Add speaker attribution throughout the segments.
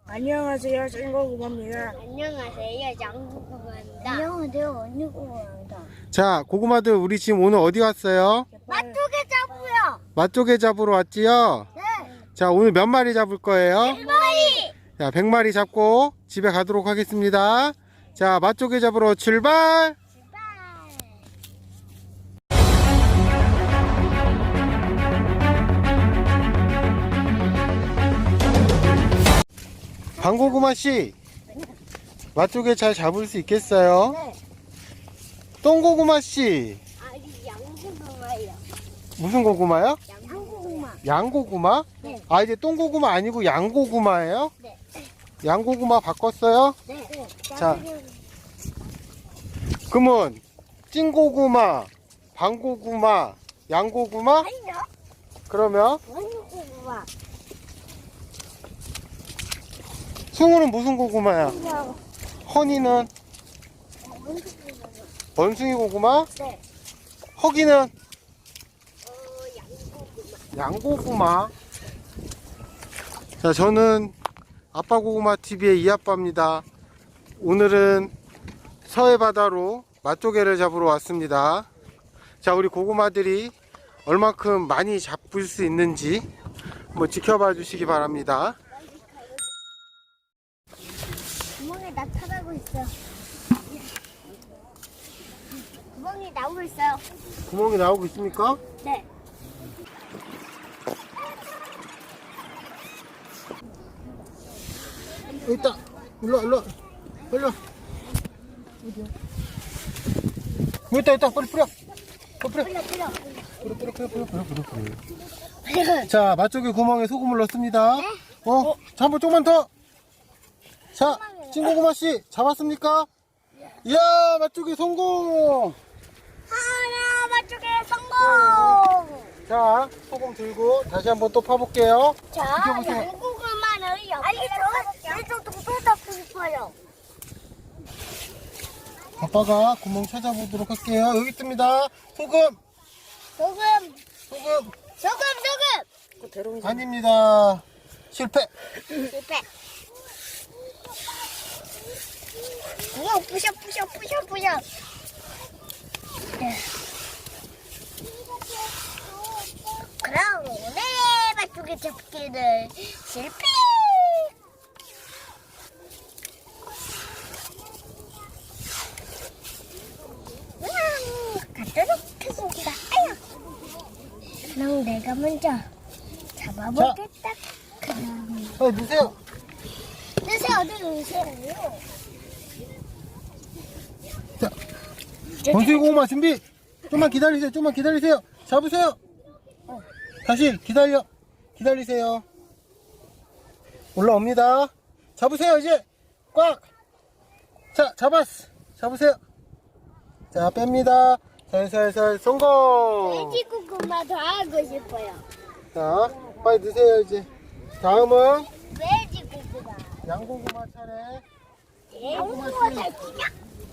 Speaker 1: 안녕하세요, 생고구마입니다.
Speaker 2: 안녕하세요, 양고구마입니다.
Speaker 3: 안녕하세요, 언니고구마입니다.
Speaker 4: 자, 고구마들 우리 지금 오늘 어디 왔어요?
Speaker 3: 맛조개 잡고요.
Speaker 4: 맛조개 잡으러 왔지요?
Speaker 3: 네.
Speaker 4: 자, 오늘 몇 마리 잡을 거예요?
Speaker 3: 머리.
Speaker 4: 자, 100마리 잡고 집에 가도록 하겠습니다. 자, 맛조개 잡으러 출발! 방고구마씨, 맛조개 잘 잡을 수 있겠어요?
Speaker 3: 네.
Speaker 4: 똥고구마씨,
Speaker 2: 아니, 양고구마요.
Speaker 4: 무슨 고구마요?
Speaker 3: 양고구마.
Speaker 4: 양고구마?
Speaker 3: 네.
Speaker 4: 아, 이제 똥고구마 아니고 양고구마예요?
Speaker 3: 네.
Speaker 4: 양고구마 바꿨어요?
Speaker 3: 네.
Speaker 4: 자, 그러면 찐고구마, 방고구마, 양고구마?
Speaker 3: 아니요.
Speaker 4: 그러면
Speaker 3: 원고구마.
Speaker 4: 숭우는 무슨 고구마야?
Speaker 3: 그냥
Speaker 4: 허니는 원숭이 고구마?
Speaker 3: 네.
Speaker 4: 허기는 양고구마. 자, 저는 아빠고구마 TV의 이아빠입니다. 오늘은 서해바다로 맛조개를 잡으러 왔습니다. 자, 우리 고구마들이 얼마큼 많이 잡을 수 있는지 한번 지켜봐 주시기 바랍니다.
Speaker 3: 구멍에 나타나고 있어요. 구멍이 나오고 있어요.
Speaker 4: 구멍이 나오고 있습니까?
Speaker 3: 네.
Speaker 4: 여기 있다. 일로. 여기 있다. 빨리 뿌려. 뿌려. 자, 맛조개 구멍에 소금을 넣습니다. 자, 한번 조금만 더. 자, 찐고구마씨, 잡았습니까? 이야, 맛조개 성공!
Speaker 3: 하나 맛조개 성공.
Speaker 4: 자, 소금 들고 다시 한번 또 파볼게요.
Speaker 3: 자,
Speaker 4: 비켜보세요.
Speaker 3: 양고구마를 옆에 저도 잡고 싶어요.
Speaker 4: 아빠가 구멍 찾아보도록 할게요. 여기 있습니다. 소금!
Speaker 3: 소금.
Speaker 4: 아닙니다. 실패!
Speaker 3: 실패. 그거 부셔. 네. 그럼 오늘 맛조개 잡기는 실패. 가도록 하겠습니다. 그럼 내가 먼저 잡아보겠다. 그럼
Speaker 4: 빨리 넣으세요.
Speaker 3: 넣으세요.
Speaker 4: 자, 원숭이 고구마 준비. 좀만 기다리세요. 잡으세요. 다시 기다리세요. 올라옵니다. 잡으세요, 이제. 꽉. 자, 잡으세요. 자, 뺍니다. 살살살 성공.
Speaker 3: 돼지고구마도 하고 싶어요.
Speaker 4: 자, 빨리 넣으세요, 이제. 다음은
Speaker 3: 돼지고구마.
Speaker 4: 양고구마 차례.
Speaker 3: 돼지고구마 잘 치냐?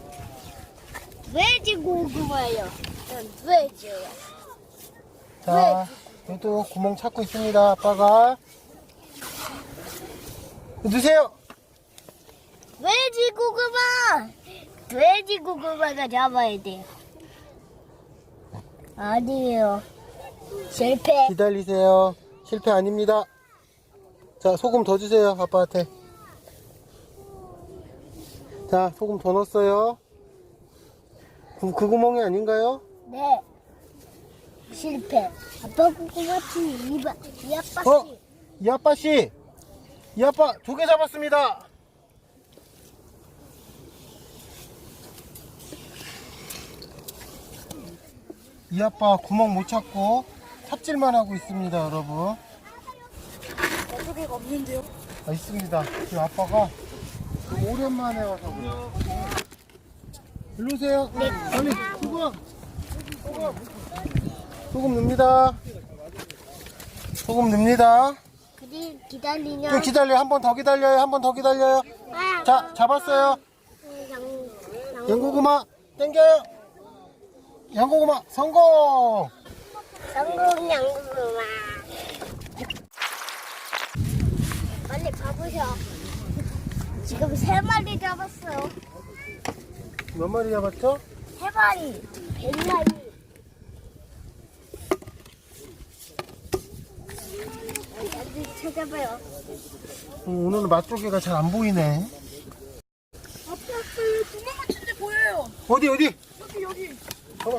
Speaker 3: 돼지고구마요. 돼지요.
Speaker 4: 자, 여기도 구멍 찾고 있습니다, 아빠가. 넣으세요.
Speaker 3: 돼지고구마가 잡아야 돼요. 아니에요. 실패.
Speaker 4: 기다리세요. 실패 아닙니다. 자, 소금 더 주세요, 아빠한테. 자, 소금 더 넣었어요. 그 구멍이 아닌가요?
Speaker 3: 네. 실패. 아빠 고구마치 이 아빠 씨.
Speaker 4: 이 아빠씨! 이 아빠 조개 잡았습니다! 이 아빠 구멍 못 찾고 삽질만 하고 있습니다, 여러분.
Speaker 1: 맛조개가 없는데요?
Speaker 4: 아, 있습니다. 지금 아빠가 오랜만에 와서 그래요. 일로 오세요.
Speaker 3: 네.
Speaker 4: 아니, 소금 넣습니다. 소금 넣습니다.
Speaker 3: 그리 기다리냐?
Speaker 4: 좀 기다려요. 한 번 더 기다려요. 자, 잡았어요. 양고구마 땡겨요. 양고구마 성공.
Speaker 3: 성공 양고구마. 빨리 가보셔. 지금 3마리 잡았어요.
Speaker 4: 몇 마리 잡았죠?
Speaker 3: 3마리. 100마리. 어디 찾아봐요.
Speaker 4: 오늘은 맛조개가 잘 안 보이네.
Speaker 1: 앞에 앞에 구멍 같은데 보여요.
Speaker 4: 어디?
Speaker 1: 여기.
Speaker 4: 봐봐.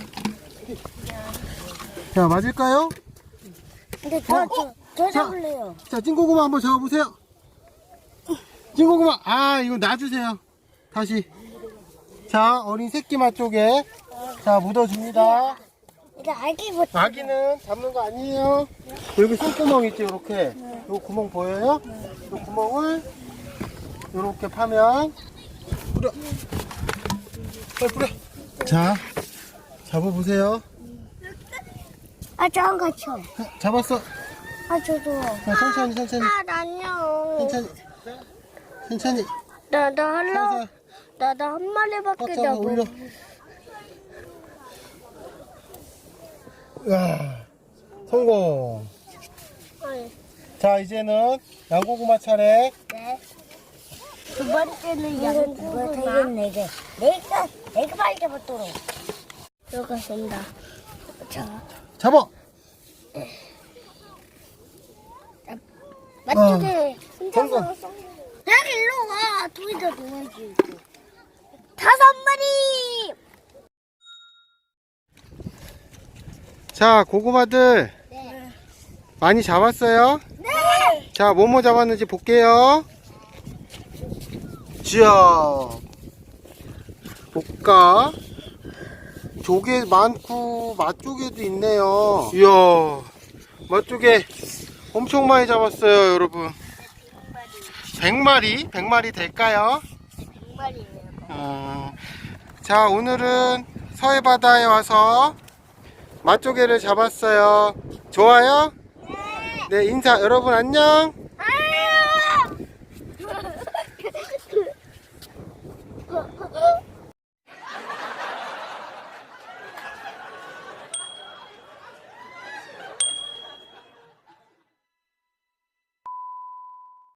Speaker 4: 자, 맞을까요?
Speaker 3: 근데 저 잡을래요.
Speaker 4: 자, 찐고구마 한번 잡아보세요. 찐고구마, 이거 놔주세요. 다시. 자, 어린 새끼 맛조개. 자, 묻어줍니다.
Speaker 3: 일단 아기부터.
Speaker 4: 아기는 잡는 거 아니에요. 여기 손구멍 있죠, 이렇게. 요 구멍 보여요? 요 구멍을 이렇게 파면 뿌려. 빨리 뿌려. 자, 잡아보세요.
Speaker 3: 저한 같이요.
Speaker 4: 잡았어.
Speaker 3: 저도.
Speaker 4: 자, 천천히.
Speaker 3: 안녕.
Speaker 4: 천천히.
Speaker 3: 나 하려고.
Speaker 4: 살살.
Speaker 3: 나 한 마리밖에
Speaker 4: 꽉 잡아 올려. 야, 성공. 자, 이제는 양고구마 차례.
Speaker 3: 네. 두 번째는 양고구마. 내가 빨리 잡았도록. 들어갔습니다. 자,
Speaker 4: 잡아.
Speaker 3: 맞쪽에
Speaker 4: 성공.
Speaker 3: 여기 일로 와. 둘이서 놓아야지. 5마리.
Speaker 4: 자, 고구마들
Speaker 3: 네.
Speaker 4: 많이 잡았어요?
Speaker 3: 네.
Speaker 4: 자, 뭐뭐 잡았는지 볼게요. 지야, 볼까? 조개 많고 맛조개도 있네요. 이야, 맛조개 엄청 많이 잡았어요, 여러분. 100마리? 100마리 될까요?
Speaker 3: 100마리예요.
Speaker 4: 자, 오늘은 서해바다에 와서 맛조개를 잡았어요. 좋아요? 네, 인사. 여러분 안녕.